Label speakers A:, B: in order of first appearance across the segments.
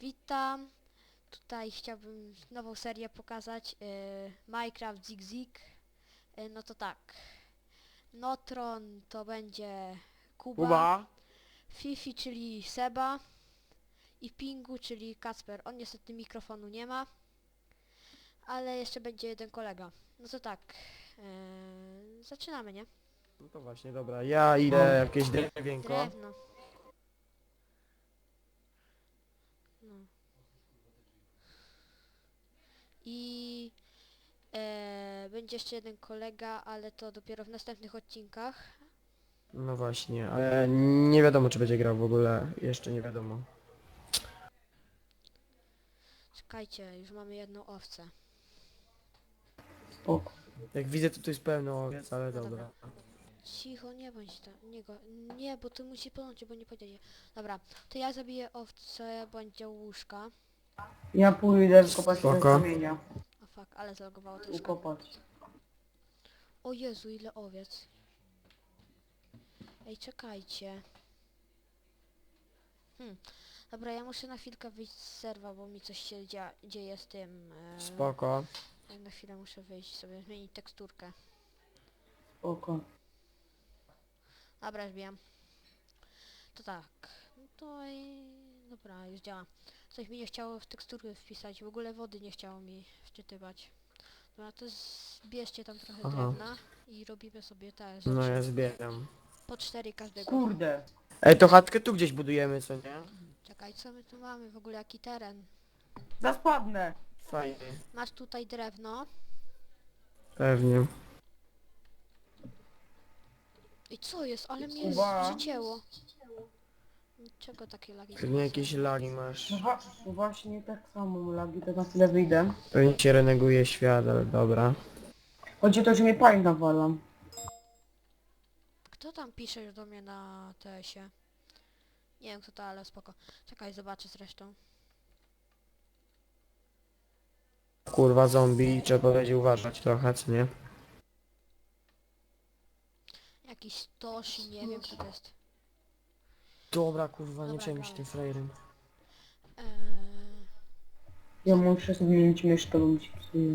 A: Witam. Tutaj chciałbym nową serię pokazać. Minecraft Zig Zig. No to tak. Notron to będzie Kuba.
B: Kuba?
A: Fifi, czyli Seba. I Pingu, czyli Kacper. On niestety mikrofonu nie ma. Ale jeszcze będzie jeden kolega. No to tak. Zaczynamy, nie?
B: No to właśnie, dobra. Ja idę jakieś drewienko.
A: Drewno. No. I będzie jeszcze jeden kolega, ale to dopiero w następnych odcinkach.
B: No właśnie, ale nie wiadomo czy będzie grał w ogóle. Jeszcze nie wiadomo.
A: Czekajcie, już mamy jedną owcę.
C: Spoko.
B: Jak widzę to tu jest pełno owiec, ale
A: No dobra.
B: dobra.
A: Cicho, nie bądź tam, nie, bo ty musisz podłączyć, bo nie powiedzieli. Dobra, to ja zabiję owcę, będzie łóżka.
C: Ja pójdę wykopać te
B: Spoko.
C: kamienia.
A: O fuck, ale zalogowało troszkę.
C: Ukopać.
A: O Jezu, ile owiec. Ej, czekajcie. Dobra, ja muszę na chwilkę wyjść z serwa, bo mi coś się dzieje z tym.
B: Spoko.
A: Ja na chwilę muszę wyjść sobie, zmienić teksturkę.
C: Spoko.
A: Dobra, zbijam. To tak. No to i... Dobra, już działa. Coś mi nie chciało w teksturę wpisać. W ogóle wody nie chciało mi wczytywać. Dobra, to zbierzcie tam trochę
B: Aha.
A: drewna i robimy sobie te
B: No
A: rzeczy.
B: ja zbieram.
A: Po 4 każdego.
C: Kurde.
B: Ej, to chatkę tu gdzieś budujemy, co nie?
A: Czekaj, co my tu mamy? W ogóle jaki teren?
C: Zaspadnę.
B: Fajnie.
A: Masz tutaj drewno.
B: Pewnie.
A: I co jest? Ale mnie
C: Kuba.
A: przycięło. Czego takie lagi
B: Pewnie
A: są?
B: jakieś lagi masz.
C: No właśnie tak samo lagi, to na chwilę wyjdę.
B: Pewnie się reneguje świat, ale dobra.
C: Chodzi o to, że mnie pań nawalam.
A: Kto tam pisze do mnie na TS-ie? Nie wiem kto to, ale spoko. Czekaj, zobaczę zresztą.
B: Kurwa zombie, trzeba będzie uważać trochę, co nie?
A: Jakiś Toshi, nie wiem kto to jest.
B: Dobra kurwa, nie
A: Dobra,
B: przejmuj się
A: gramy.
B: tym frajerem.
C: Ja muszę zmienić myszkę, bo mi się psuje.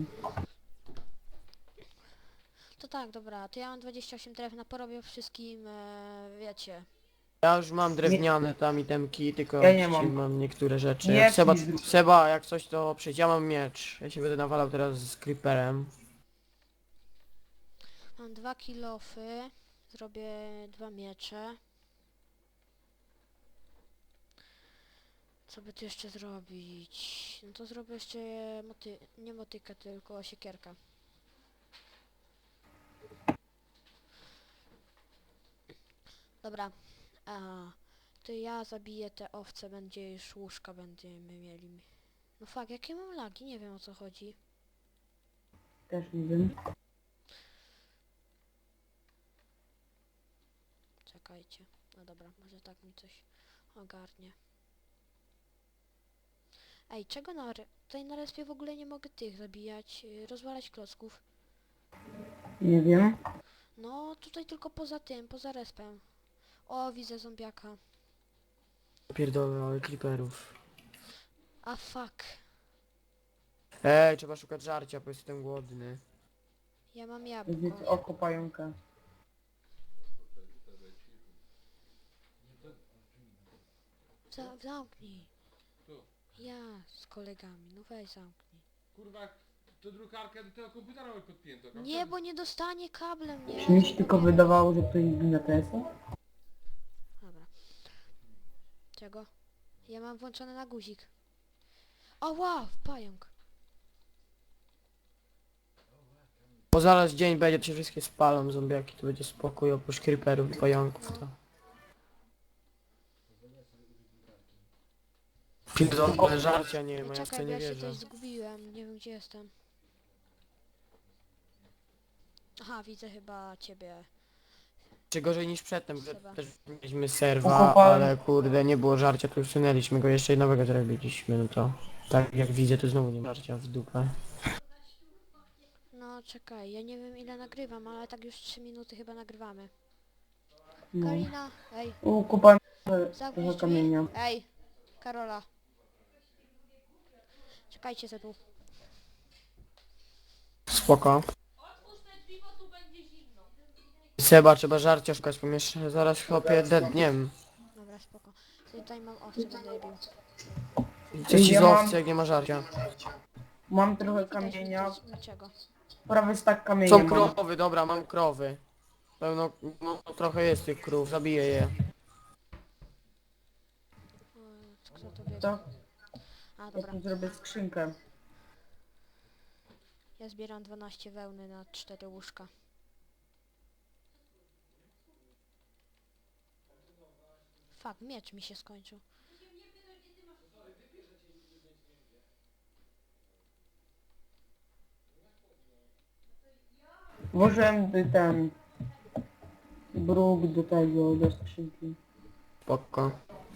A: To tak, dobra, to ja mam 28 drewna, porobię wszystkim, wiecie.
B: Ja już mam drewniane tam itemki, tylko
C: Ja nie
B: dzisiaj
C: mam.
B: mam niektóre rzeczy.
C: Nie,
B: Jak
C: please.
B: Seba, jak coś to przyjdź, ja mam miecz. Ja się będę nawalał teraz z creeperem.
A: Mam 2 kilofy, zrobię 2 miecze. Co by tu jeszcze zrobić? No to zrobię jeszcze nie motykę, tylko siekierkę. Dobra, to ja zabiję te owce, będzie już łóżka będziemy mieli. No fuck, jakie mam lagi? Nie wiem o co chodzi.
C: Też nie wiem.
A: Czekajcie. No dobra, może tak mi coś ogarnie. Ej, czego tutaj na respie w ogóle nie mogę tych zabijać, rozwalać klocków.
C: Nie wiem.
A: No, tutaj tylko poza tym, poza respem. O, widzę zombiaka.
B: Pierdolę, ale creeperów.
A: A fuck.
B: Ej, trzeba szukać żarcia, bo jestem głodny.
A: Ja mam
C: Będzie
A: jabłko.
C: oko pająka.
A: Zamknij.
D: Tu.
A: Ja z kolegami, no weź zamknij.
D: Kurwa, to drukarkę do tego komputera mamy podpiętą.
A: Nie, bo nie dostanie kablem, nie?
C: Czy mi się
A: Co
C: tylko
A: powiemy?
C: wydawało, że to jest na TS-a?
A: Dobra. Czego? Ja mam włączone na guzik. O wow, pająk.
B: Bo zaraz dzień będzie, to się wszystkie spalą zombiaki, to będzie spokój oprócz creeperów i pająków, to... Pierdolę, żarcia nie ma, ja w to
A: Czekaj, bo
B: nie
A: ja się
B: wierzę.
A: tutaj zgubiłem, nie wiem gdzie jestem. Aha, widzę chyba ciebie.
B: Czy gorzej niż przedtem, że
A: Seba.
B: też mieliśmy serwa,
C: Okopałem.
B: ale kurde, nie było żarcia, to usunęliśmy go, jeszcze nowego zrobiliśmy, no to... Tak jak widzę, to znowu nie ma żarcia w dupę.
A: No czekaj, ja nie wiem ile nagrywam, ale tak już 3 minuty chyba nagrywamy.
C: No.
A: Karina, ej,
C: Ukopałem
A: zamknij
C: trochę
A: drzwi.
C: kamienia.
A: Ej, Karola. Czekajcie se tu.
B: Spoko. Seba, trzeba żarcia szukać, bo jeszcze zaraz chłopie dedniem.
A: Dobra, spoko. Tutaj mam owce, będę je bił.
B: Co ci
C: Ja
B: z
C: mam-
B: owcy, jak nie ma żarcia?
C: Mam trochę
A: Widać
C: kamienia,
A: niczego.
C: prawie stack kamienia
B: Są
C: mam.
B: krowy, dobra, mam krowy. Pełno, no, trochę jest tych krów, zabiję je.
A: Kto to wie?
C: To
A: A,
C: ja
A: dobra.
C: tu zrobię skrzynkę.
A: Ja zbieram 12 wełny na 4 łóżka. Fuck, miecz mi się skończył.
C: Włożyłem ten bruk do tego, do skrzynki.
B: Spoko.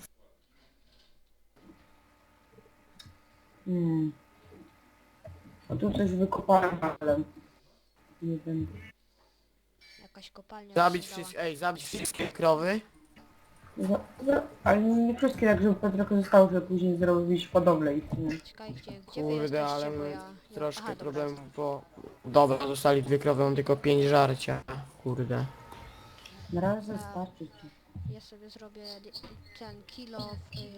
C: A tu coś wykopałem, ale nie wiem.
A: Jakaś kopalnia
B: Zabić
A: się dała.
B: wszystkie, zabić wszystkie krowy.
C: Ale nie wszystkie, tak żeby trochę zostało, żeby później zrobić hodowlę ich. Nie?
A: Czekajcie, gdzie wy
B: Kurde, ale
A: jesteście, bo
B: my
A: ja...
B: troszkę
A: Aha, dobra.
B: problemów, bo... Dobra, zostali 2 krowy, mam tylko 5 żarcia. Kurde.
C: Na razie starczy ci.
A: Ja sobie zrobię ten kilo,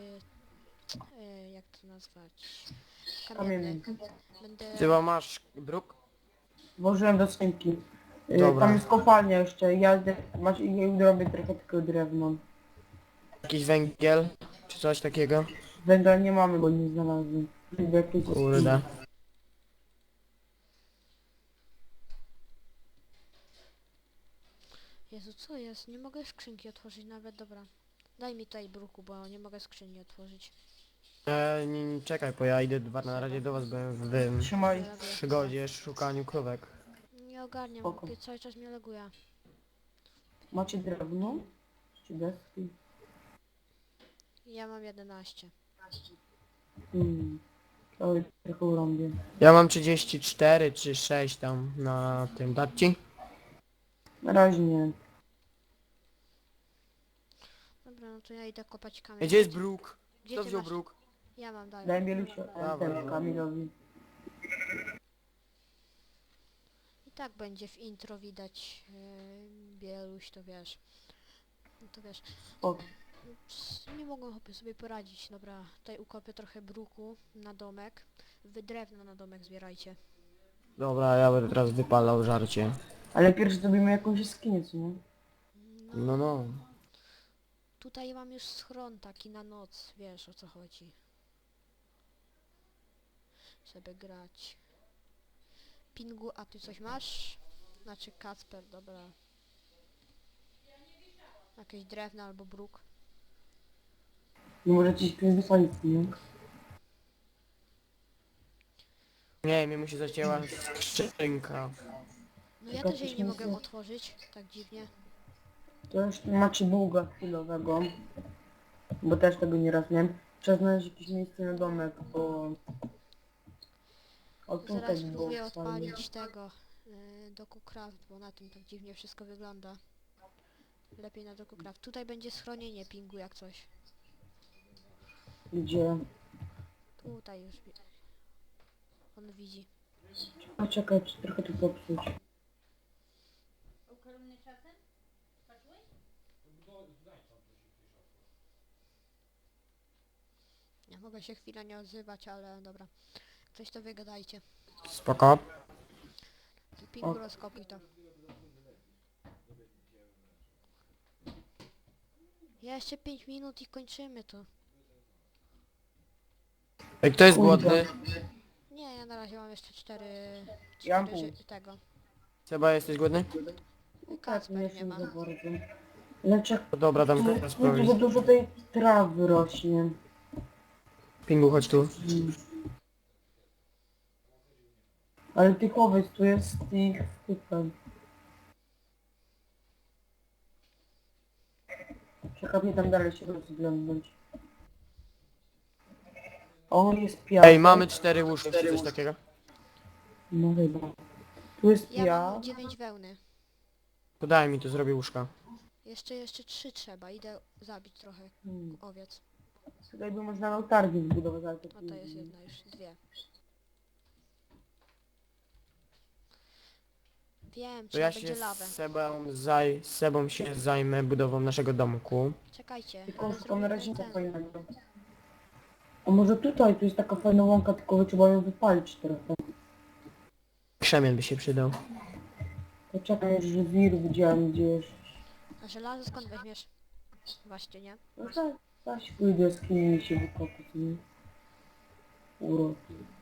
A: jak to nazwać? Kamienny. Będę...
B: Chyba masz bruk?
C: Włożyłem do skrzynki.
B: Dobra.
C: Tam jest kopalnia jeszcze, ja robię trochę tylko drewno.
B: Jakiś węgiel? Czy coś takiego?
C: Węgla nie mamy, bo nie znalazłem. Jakieś
B: Kurde.
A: Jezu, co jest? Nie mogę skrzynki otworzyć nawet, dobra. Daj mi tutaj bruku, bo nie mogę skrzyni otworzyć.
B: Czekaj, bo ja idę na razie do was, byłem w tym
C: Trzymaj.
B: przygodzie, szukaniu krówek.
A: Nie ogarniam,
C: Spoko.
A: cały czas mnie laguje.
C: Macie drewno? Czy deski?
A: Ja mam 11.
C: To trochę urąbię.
B: Ja mam 34 czy 6 tam na tym, dać ci?
C: Na razie nie.
A: Dobra, no to ja idę kopać kamień.
B: Gdzie jest bruk?
A: Gdzie
B: Kto
A: ty
B: wziął
A: masz?
B: bruk?
A: Ja mam, daj.
C: Daj Bielusia,
B: Dawaj.
C: Kamilowi.
A: I tak będzie w intro widać Bieluś, to wiesz. No to wiesz.
C: O,
A: Nie mogą chłopie sobie poradzić. Dobra, tutaj ukopię trochę bruku na domek. Wy drewno na domek zbierajcie.
B: Dobra, ja będę teraz wypalał żarcie.
C: ale pierwszy zrobimy jakąś jaskinię, co nie?
B: No, no.
A: Tutaj mam już schron taki na noc, wiesz o co chodzi. Żeby grać. Pingu, a ty coś masz? Znaczy Kacper, dobra. Jakieś drewno albo bruk.
C: Nie możecie się tu wysłać, nie?
B: Nie, mi musi zacięła skrzynka.
A: No ja
C: Tylko
A: też jej
C: coś
A: nie
C: nie
A: mogę
C: zna-
A: otworzyć, tak dziwnie.
C: To już macie długa chwilowego. Bo też tego nieraz miałem. Trzeba znaleźć jakieś miejsce na domek, bo... O, tutaj
A: Zaraz
C: było
A: spróbuję
C: fajnie.
A: odpalić tego DokuCraft, bo na tym tak dziwnie wszystko wygląda. Lepiej na DokuCraft. Tutaj będzie schronienie pingu jak coś.
C: Gdzie?
A: Tutaj już on widzi.
C: Poczekaj, czy trochę tu popsuć.
A: Ja mogę się chwilę nie odzywać, ale dobra. Coś to wygadajcie.
B: Spoko.
A: Ty pingu
C: O.
A: rozkopuj to. Ja jeszcze 5 minut i kończymy to.
B: Ej, kto jest
C: Kurde.
B: głodny?
A: Nie, ja na razie mam jeszcze 4
C: Ja mam pół.
A: tego.
B: Seba, jesteś głodny?
C: Tak, nie
A: Kacper nie ma.
C: za bardzo. Lecz
B: No dobra, dam
C: tu
B: teraz sprawdzić.
C: za dużo tej trawy rośnie.
B: Pingu, chodź tu.
C: Ale tych owiec tu jest ich tutaj. Czekaj, mnie tam dalej się rozglądać. O, jest piasek.
B: Ej, mamy 4 łóżki, czy coś takiego?
C: No chyba. Tu jest
A: Ja
C: piasek.
A: mam 9 wełny.
B: To daj mi, to zrobię łóżka.
A: Jeszcze 3 trzeba. Idę zabić trochę owiec.
C: Tutaj by można targi zbudować, ale to
A: A to jest jedna już, 2. Wiem,
B: To
A: trzeba
B: ja
A: będzie
B: się z
A: lawę.
B: Sebą się zajmę budową naszego domku.
A: Czekajcie,
C: Tylko
A: ale
C: szukam
A: zrobimy
C: razinka
A: ten.
C: fajnego. A może tutaj, tu jest taka fajna łąka, tylko trzeba ją wypalić trochę.
B: Krzemień by się przydał.
C: Poczekaj, że wir widziałem gdzieś.
A: A żelazo skąd weźmiesz? Właśnie, nie?
C: No tak, zaś pójdę z kimś się wykopać, nie? Urok.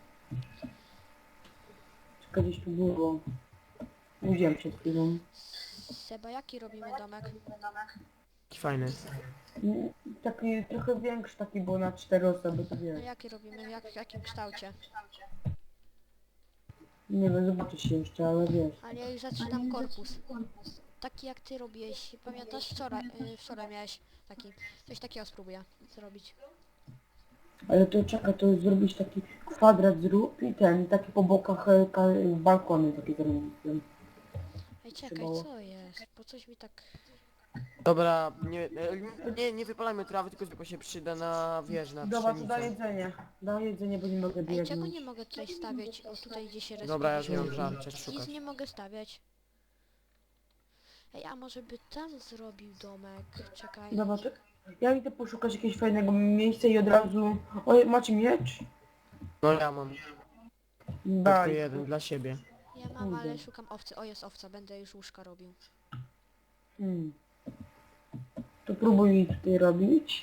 C: Czekaj, gdzieś tu było. Nie widziałem przed chwilą.
A: Seba, jaki robimy domek?
B: Taki fajny.
C: Taki trochę większy, taki był na 4 osoby, to
A: No
C: wiesz.
A: jaki robimy? W jakim kształcie?
C: Nie wiem, zobaczę się jeszcze, ale wiesz.
A: Ale ja już zaczynam korpus. Taki jak ty robiłeś. Pamiętasz wczoraj miałeś taki. Coś takiego spróbuję zrobić.
C: Ale to czekaj, to zrobić taki kwadrat zrób i ten, taki po bokach balkony takie zrobić.
A: Ej, czekaj,
C: Trzymało.
A: co jest? Bo coś mi tak...
B: Dobra, nie wypalajmy trawy, tylko tylko się przyda na, wiesz, na
C: Dobra, to da
B: pszenicę.
C: jedzenie. Da jedzenie, bo nie mogę
A: Ej,
C: biegnąć.
A: czego nie mogę tutaj stawiać? O, tutaj gdzie się
B: Dobra, ja już
A: respirują.
B: nie mam żarcia
A: Nic
B: szukać.
A: nie mogę stawiać. Ej, a może by tam zrobił domek? Czekaj.
C: Dobra, to ja idę poszukać jakiegoś fajnego miejsca i od razu... Oj, macie miecz?
B: No ja mam tylko
C: Daj.
B: jeden dla siebie.
A: Ja mam, ale
C: Kurde.
A: szukam owcy. O, jest owca, będę już łóżka robił.
C: Hmm. To próbuj tutaj robić.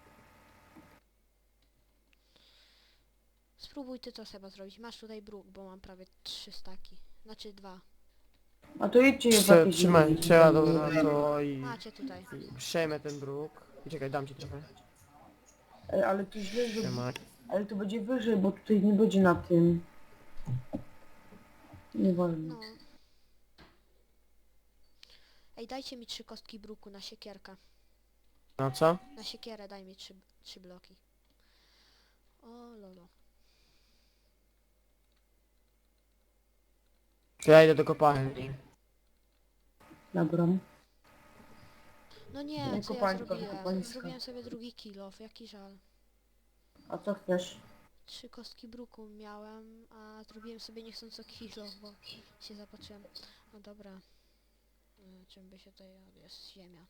A: Spróbuj ty to Seba zrobić. Masz tutaj bruk, bo mam prawie 3 staki. Znaczy 2.
C: A to idźcie w jakieś...
B: Trzymaj, trzeba dobra to i
A: Macie tutaj.
B: przejmę ten bruk. I czekaj, dam ci trochę.
C: Ej, ale to źle, że...
B: Trzymaj.
C: Ale to będzie wyżej, bo tutaj nie będzie na tym. Nieważne.
A: No. Ej, dajcie mi 3 kostki bruku na siekierkę.
B: No co?
A: Na siekierę daj mi 3 bloki. O lolo.
B: To ja idę do kopalni.
C: Dobra.
A: No
C: Nie,
A: nie, co ja
C: kopańska,
A: zrobiłem?
C: kopańska.
A: Zrobiłem sobie drugi kilof, jaki żal.
C: A co chcesz?
A: 3 kostki bruku miałem, a zrobiłem sobie niechcąco kilof, bo się zapatrzyłem. No dobra. Czym by się tutaj... jest ziemia.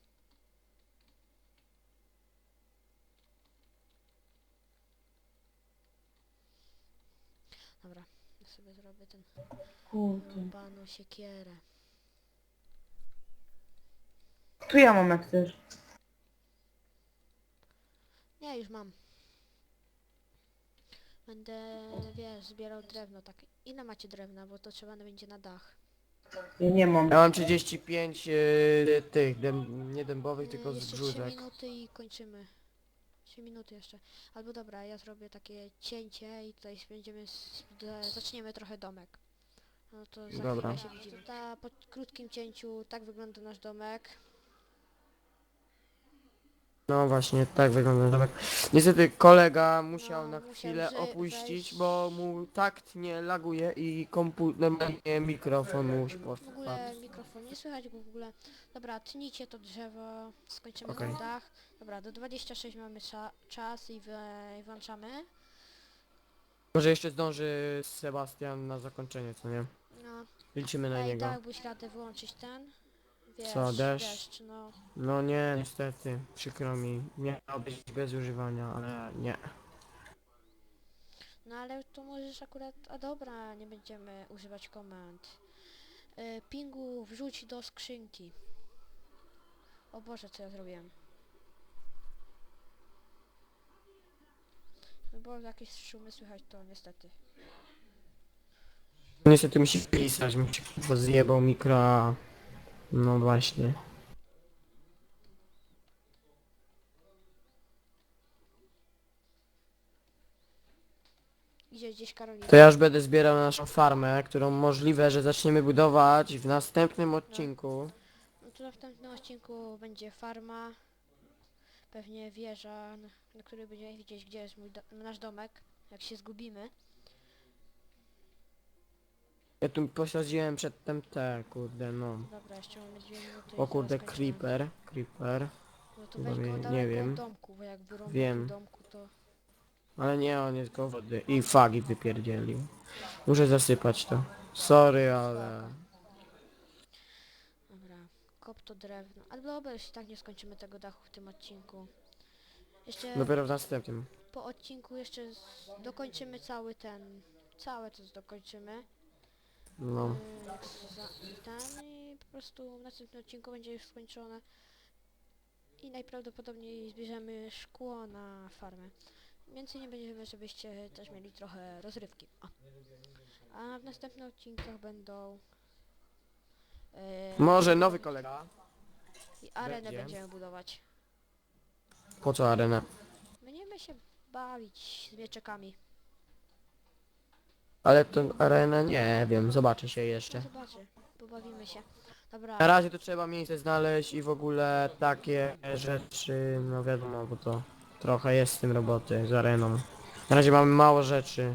A: Dobra, ja sobie zrobię ten
C: Kurde.
A: panu siekierę.
C: Tu ja mam jak chcesz.
A: Nie, już mam. Będę, wiesz, zbierał drewno, tak. Ile macie drewna, bo to trzeba będzie na dach.
C: Ja nie mam.
B: Ja mam 35 tych, nie dębowych, tylko z
A: Jeszcze 3
B: brzózek.
A: minuty i kończymy. 3 minuty jeszcze. Albo dobra, ja zrobię takie cięcie i tutaj będziemy, zaczniemy trochę domek. No to za
B: Dobra.
A: chwilę się widzimy. Po krótkim cięciu tak wygląda nasz domek.
B: No właśnie, tak wygląda domek. Niestety kolega musiał
A: No,
B: na
A: musiał
B: chwilę opuścić,
A: wejść.
B: bo mu takt nie laguje i normalnie mikrofon mu już
A: W ogóle mikrofon nie słychać go w ogóle. Dobra, tnijcie to drzewo, skończymy
B: Okej.
A: na dach. Dobra, do 26 mamy czas i włączamy.
B: Może jeszcze zdąży Sebastian na zakończenie, co nie?
A: No,
B: Liczymy na
A: ej,
B: niego.
A: dałbyś radę wyłączyć ten? Wiesz,
B: Co, deszcz?
A: no.
B: No nie, niestety, przykro mi. Miało być bez używania, ale nie.
A: No ale to możesz akurat... A dobra, nie będziemy używać komend. Pingu wrzuć do skrzynki. O Boże, co ja zrobiłem? No bo jakieś szumy słychać, to niestety.
B: Niestety musi pisać, mi się kurwa zjebał mikro, a... No właśnie.
A: Idzie gdzieś Karolina.
B: To ja już będę zbierał naszą farmę, którą możliwe, że zaczniemy budować w następnym odcinku.
A: No to w następnym odcinku będzie farma. Pewnie wieża, na której będziemy widzieć, gdzie jest nasz domek. Jak się zgubimy.
B: Ja tu posadziłem przedtem te, kurde, no.
A: Dobra, jeszcze mamy 2 minuty. i
B: O kurde,
A: zaraz kończymy.
B: creeper.
A: No to
B: Chyba
A: weź go
B: nie
A: daleko
B: wiem.
A: od domku, bo jak wyrąbał
B: Wiem.
A: do domku, to...
B: Ale nie, on jest go wody. I fagi wypierdzielił. Muszę zasypać to. Sorry, ale...
A: Dobra, kop to drewno. Ale dobra, już i tak nie skończymy tego dachu w tym odcinku. Jeszcze
B: Dopiero w następnym.
A: po odcinku jeszcze dokończymy cały całe to dokończymy.
B: No.
A: I po prostu w następnym odcinku będzie już skończone. I najprawdopodobniej zbierzemy szkło na farmę. Więcej nie będziemy, żebyście też mieli trochę rozrywki. O. A w następnych odcinkach będą...
B: Może nowy kolega.
A: I arenę
B: będzie.
A: będziemy budować.
B: Po co arenę?
A: Będziemy się bawić z mieczekami.
B: Ale tę arenę nie wiem, zobaczy się
A: No
B: jeszcze.
A: zobaczy, pobawimy się. Dobra,
B: Na razie to trzeba miejsce znaleźć i w ogóle takie rzeczy, no wiadomo, bo to trochę jest z tym roboty, z areną. Na razie mamy mało rzeczy.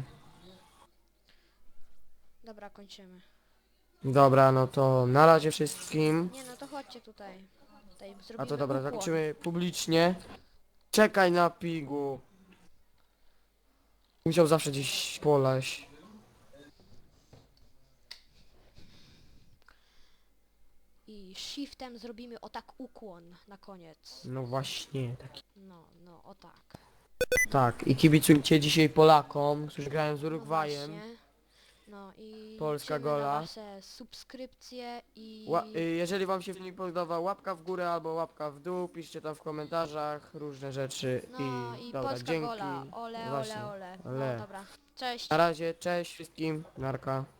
A: dobra, kończymy.
B: Dobra, no to na razie wszystkim.
A: Nie no, to chodźcie tutaj. Tutaj zrobimy
B: A to dobra,
A: ukłon.
B: zakończymy publicznie. Czekaj na pigu. Musiał zawsze gdzieś poleść.
A: I shiftem zrobimy o tak ukłon na koniec.
B: No właśnie, taki.
A: No, o tak.
B: Tak, i kibicujcie dzisiaj Polakom, którzy grają z
A: No
B: Urugwajem.
A: właśnie. No i
B: Polska
A: liczymy na
B: gola.
A: wasze subskrypcje i...
B: Jeżeli wam się film podobał, łapka w górę albo łapka w dół, piszcie tam w komentarzach różne rzeczy
A: No i
B: dobra,
A: Polska
B: dzięki.
A: gola. Ole,
B: Właśnie,
A: ole, ole.
B: ole.
A: No dobra. Cześć.
B: Na razie, cześć wszystkim, narka.